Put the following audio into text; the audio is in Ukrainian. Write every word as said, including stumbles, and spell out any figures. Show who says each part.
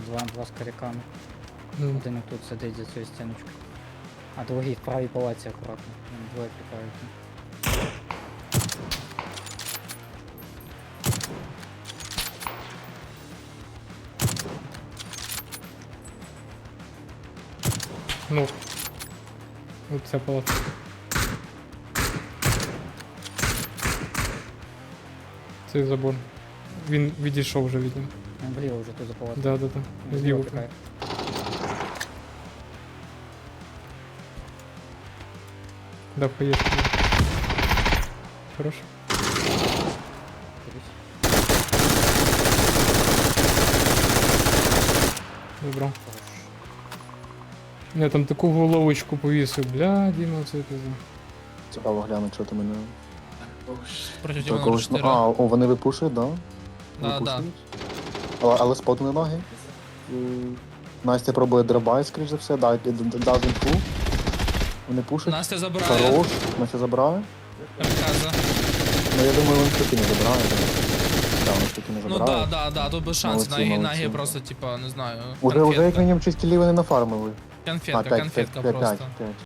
Speaker 1: Два, два з коряками.
Speaker 2: Ну,
Speaker 1: Один тут сидить за цією стіночкою. А другий в правій палаці акуратно. Вони двоє пікають.
Speaker 2: ну. Оця палата. Цей забор. Він відійшов вже від нього.
Speaker 1: Він вліво вже тут за палацем.
Speaker 2: Да, да, да.
Speaker 1: Він
Speaker 2: Зліво.
Speaker 1: пікає.
Speaker 2: Да, поїхали. Хорош.
Speaker 1: Дивись.
Speaker 2: Добро.
Speaker 1: Хорош.
Speaker 2: Я там таку головочку повісив, бля, Діма, це пизда.
Speaker 3: Цікаво глянути, що ти мене.
Speaker 4: Проти
Speaker 3: До
Speaker 4: тебе
Speaker 3: когось-
Speaker 4: чотири.
Speaker 3: А, о, вони випушують, да?
Speaker 4: Да, да.
Speaker 3: Випушують? Але, але спотили ноги. М, Настя пробує дробай, скоріш за все, да, д- д- дав інфу. Вони пушать.
Speaker 4: Настя забирає.
Speaker 3: Хорош, Настя забирає.
Speaker 4: Камікадзе.
Speaker 3: Ну я думаю, він таки не забирає. Так, він таки не
Speaker 4: Ну
Speaker 3: забирає.
Speaker 4: да, да, да, тут без шансів.
Speaker 3: Молодці,
Speaker 4: Нагі,
Speaker 3: молодці.
Speaker 4: нагі просто, типа, не знаю.
Speaker 3: Уже, уже як
Speaker 4: конфетка.
Speaker 3: мінімум шість кілів вони нафармили.
Speaker 4: Конфетка,
Speaker 3: п'ять,
Speaker 4: конфетка
Speaker 3: п'ять,
Speaker 4: просто.
Speaker 3: п'ять, п'ять.